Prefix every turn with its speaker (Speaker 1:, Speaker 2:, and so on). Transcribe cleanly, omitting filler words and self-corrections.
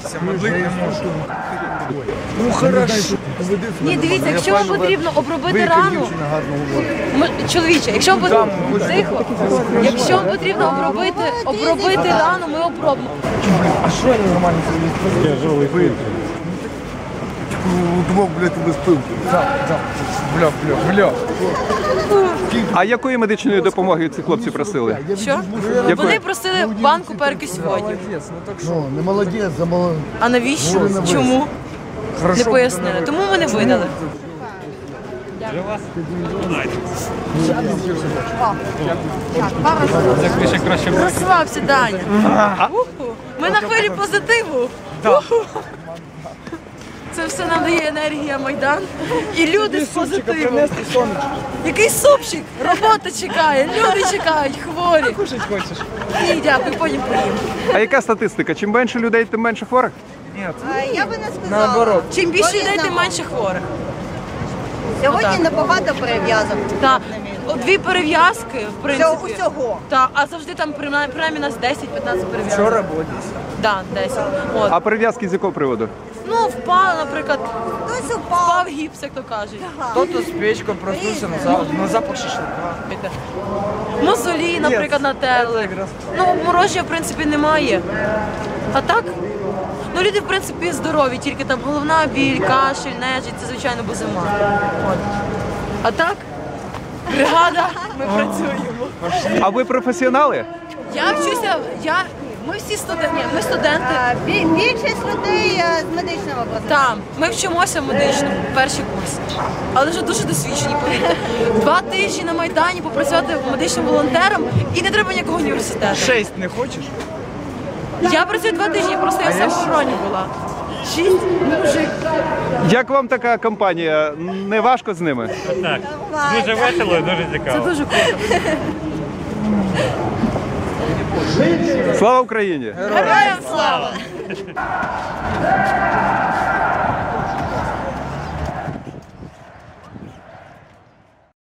Speaker 1: молитися, медлити не можу. Ну хорошо.
Speaker 2: Ні, дивіться, якщо вам потрібно обробити рану, чоловіче, якщо вам тихо, якщо вам потрібно обробити рану, ми обробимо.
Speaker 1: А що я нормально собі?
Speaker 3: Я живий пив.
Speaker 4: Удвох, блядь, без пилки.
Speaker 1: Бля.
Speaker 3: А якої медичної допомоги ці хлопці просили?
Speaker 2: Що? Вони просили банку перекисьводів.
Speaker 4: Ну, не молодець, а молодець.
Speaker 2: А навіщо? Чому? Не пояснили. Тому ми не видали. Розслабся, Даня. Ми на хвилі позитиву. Це все нам дає енергія Майдан. І люди з позитивом. Який супчик? Робота чекає, люди чекають, хворі.
Speaker 1: Кушать хочеш?
Speaker 2: Ні, дякую, потім поїм.
Speaker 3: А яка статистика? Чим менше людей, тим менше хворих?
Speaker 5: Я би не сказала.
Speaker 1: Наоборот.
Speaker 2: Чим більше людей, тим менше хворих.
Speaker 5: Сьогодні набагато перев'язок.
Speaker 2: Так. Дві перев'язки, в принципі.
Speaker 5: Усього.
Speaker 2: Так, а завжди там принаймні нас 10-15 перев'язок.
Speaker 1: Вчора було 10.
Speaker 2: Так, 10. От.
Speaker 3: А перев'язки з якого приводу?
Speaker 2: Ну, впав, наприклад,
Speaker 5: Хтось упав.
Speaker 2: впав гіпс, як то кажуть.
Speaker 1: Хто-то з печкою проснувся на запах шашлика.
Speaker 2: Мозолі, наприклад, натерли. Ну, обмороження, в принципі, немає. А так, ну, люди, в принципі, здорові, тільки там головна біль, кашель, нежить, це, звичайно, бо зима. От. А так, бригада, ми працюємо.
Speaker 3: А ви професіонали?
Speaker 2: Я вчуся, ми всі студенти, ми студенти.
Speaker 5: Більшість людей з медичного образу.
Speaker 2: Там, ми вчимося в медичному, перший курс. Але вже дуже досвідчені, повірте. 2 тижні на Майдані попрацювати медичним волонтером і не треба ніякого університету.
Speaker 1: 6 не хочеш?
Speaker 2: Я працюю 2 тижні, просто я в самообороні була. 6 мужик.
Speaker 3: Як вам така компанія? Не важко з ними?
Speaker 6: Так, дуже весело і дуже
Speaker 2: Це
Speaker 6: цікаво.
Speaker 2: дуже круто.
Speaker 3: Слава Україні!
Speaker 2: Героям слава!